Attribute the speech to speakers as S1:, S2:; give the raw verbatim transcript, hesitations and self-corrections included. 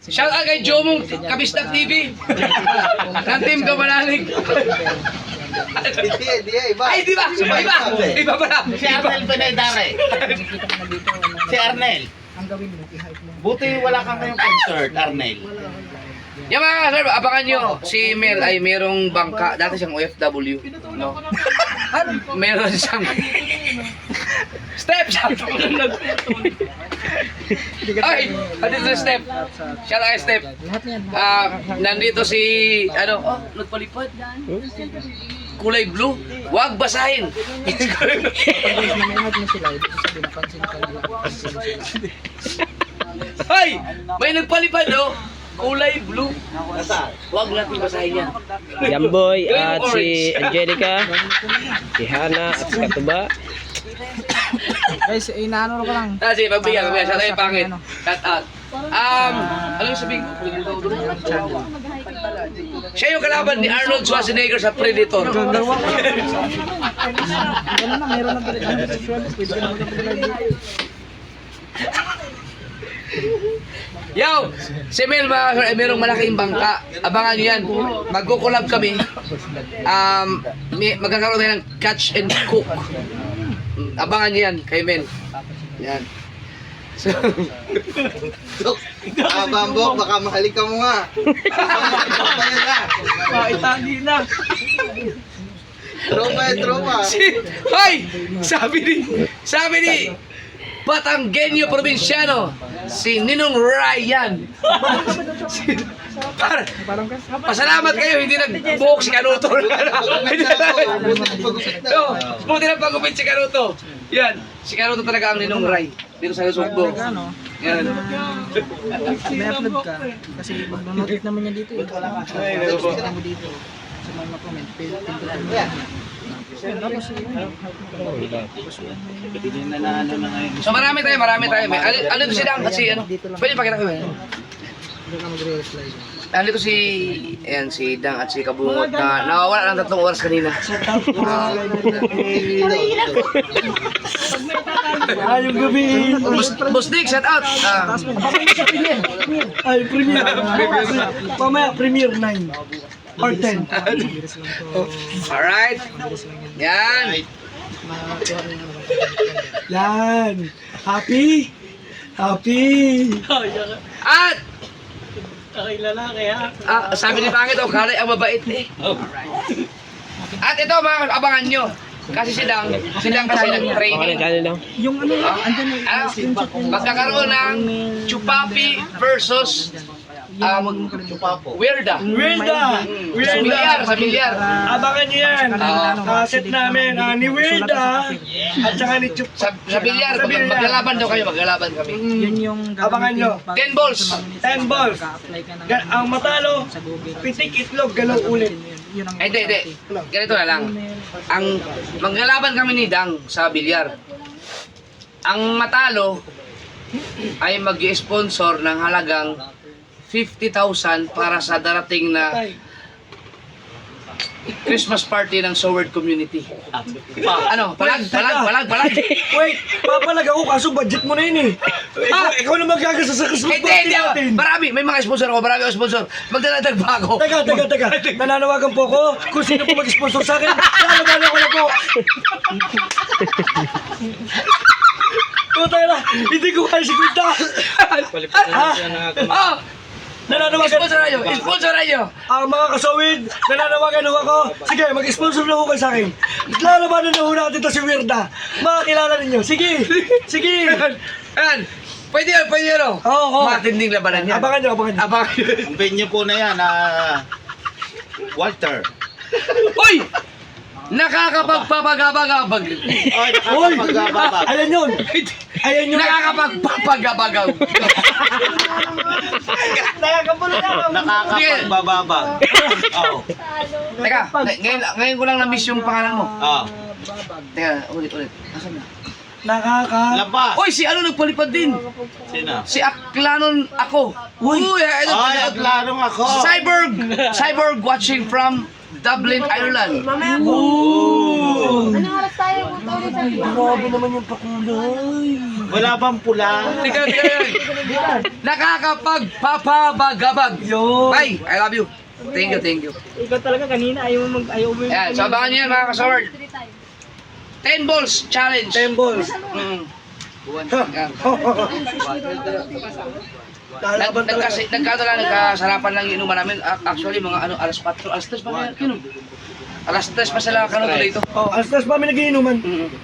S1: Shout out kay Jomong Kabistak T V. Ng Team Kamanalig.
S2: Hindi, hindi, iba.
S1: Ay, di ba? Iba, iba. Iba pala.
S3: Si Arnel Pinedare. Si Arnel.
S4: Ang gawin mo, i-hype mo.
S3: Buti wala kang kayong concert, Arnel.
S1: Yung mga sir, abangan nyo, si Mel ay merong bangka, dati siyang O F W, no? Meron siyang step! Ay! Andito si Step! Shout out kay Step!
S4: Lahat niyan.
S1: Ah, nandito si, ano, oh, nagpalipad. Kulay blue. Huwag basahin.
S4: Pag nanonood mo sila, ibig sabihin, napansin ka nila.
S1: Ay! May nagpalipad, oh! Kulay blue. Huwag natin basahin yan.
S5: Jamboy at si Angelica, si Hana at si Katuba.
S4: Guys, inaano ko lang.
S1: Ah, sige, pagbigyan, pagbigyan. Shout out yung pangit. Shout out. Um, ano yung sabihin ko? Siya yung kalaban ni Arnold Schwarzenegger sa Predator.
S4: Gano'n na, meron na direct. Ano sa short, pwede ka na mag-live.
S1: Yo! Si Mel, mga sir, ay merong malaking bangka. Abangan nyo yan. Magkukulab kami. Um, may, magkakaroon tayo ng catch and cook. Abangan nyo yan kay Mel. Yan. So,
S2: Ah, Bambok, baka mahalik ka mo nga. Kaya na.
S4: Itali na.
S2: Troma eh, troma.
S1: si, hoy! Sabi ni, sabi ni, Batanggenyo Provinciano, si Ninong Ryan. Si, para, pasalamat kayo, hindi nagbuhok si Kanuto. No, buti na pagupit si Kanuto. Yan, si Kanuto talaga ang Ninong Ray. Dito sa Lusugbo. Yan.
S4: May upload ka. Kasi mag-notice naman niya dito.
S1: Ay, ano po?
S4: Kita mo dito. Sa mga mag-comment. Pindutan mo yan. Tapos yun.
S3: Hindi na na ano na ngayon.
S1: So marami tayo, marami tayo. May, ano, ano to si Dang? Kasi ano, pwede pakita ko yun.
S4: Hindi ka mag-re-slide.
S1: Nandito si, ayan, si Dang at si Kabungot na nawawala ng tatlong oras kanina.
S4: Ayong gabi.
S1: Bus, Busdik, shout out! Ah,
S4: Ay, premiere. Pamaya, premiere nine. Or ten.
S1: alright. Yan.
S4: Yan. Happy? Happy.
S1: At, ah, sabi ni Pangit, oh, kalay ang mabait eh. At ito mga abangan nyo. Kasi si Dang, si Dang kasi
S5: Okay,
S1: nag-training.
S5: channel lang.
S4: Yung ano, andyan na
S1: Ah, magkakaroon ng Chupapi versus um, Weirda.
S6: Wilda!
S1: Sa bilyar, sa bilyar.
S6: Abangan niyo yan!
S1: Oo.
S6: Kaset namin, ah, ni Wilda at saka ni Chup.
S1: Sa, sa bilyar,
S6: Sa bilyar.
S1: maglalaban daw kayo, maglalaban kami.
S4: Yun yung
S6: Abangan nyo.
S1: ten balls.
S6: ten balls.
S4: Ka-apply ka ng
S6: Ga- ang matalo,
S4: sa Google.
S6: pitik itlog, galaw ulit.
S4: Yun ang
S1: Ay, hindi, hindi. Ganito na lang. Ang maglalaban kami ni Dang sa bilyar. Ang matalo ay mag-sponsor ng halagang fifty thousand para sa darating na Christmas party ng Soward community. Ano? Palag, palag, palag, palag.
S6: Wait, papalag ako kaso budget mo na yun eh. Ikaw, ikaw na magkagasa sa Christmas
S1: Hindi,
S6: party
S1: hindi.
S6: natin.
S1: Marami. May mga sponsor ako. Marami ako sponsor. Magdadagdag pa ako.
S6: Teka, teka, teka. Nananawagan po ako kung sino po mag-sponsor sa akin. Nananawagan ko na po. Puta na, hindi ko kaya si Quinta.
S1: Oh!
S6: Nananawagan.
S1: Sponsor na nyo. Sponsor na nyo.
S6: Ang mga kasawid, nananawagan ho ako. Sige, mag-sponsor na ho kayo sa akin. Lalabanan na ho natin to si Weirda. Makakilala ninyo. Sige, sige.
S1: Ayan. Pwede yun, pwede yun. oh.
S6: Oo, oo.
S1: Matinding labanan yan.
S6: Abangan nyo, abangan nyo.
S1: Abangan nyo.
S3: Ang venue po na yan, ah, Walter.
S1: Uy! Nakakapagpapagabagabag.
S3: Oy,
S6: Uy,
S3: nakakapagababa.
S6: ayan yun. Ayan yun.
S1: Nakakapagpapagabagaw.
S3: Nakakapagbababa. Oo.
S1: Teka, ngayon, ngayon ko lang na-miss yung pangalan mo.
S3: Oo.
S1: Teka, ulit, ulit. Asan na?
S6: Nakaka...
S3: Labas.
S1: Uy, si ano nagpalipad din?
S3: Sino?
S1: Si Aklanon ako. Uy, ay, ano,
S3: Ay, at larong ako.
S1: Cyborg! Cyborg watching from Dublin, Ireland.
S7: Mamaya po.
S6: Ooh.
S7: Anong oras tayo? Ulit sa
S6: Grabe naman yung pakulay.
S3: Wala bang pula?
S1: Tika, tika, tika. Nakakapagpapabagabag.
S6: Yun.
S1: Bye, I love you. Thank you, thank you.
S4: Ikaw talaga kanina, ayaw mo mag, ayaw mo yung...
S1: Ayan, so abangan nyo yan mga kasaward. ten balls challenge.
S6: Ten balls.
S1: Mm. Yan. Nag,
S6: Lalaban talaga.
S1: nagkasi, nagkano lang, nagkasarapan lang yung inuman namin. A- Actually, mga ano, alas four, alas tres pa na yan, kinom. Alas tres pa sila kanuto dito.
S6: Oh, alas tres pa kami nagiinuman.
S1: Mm.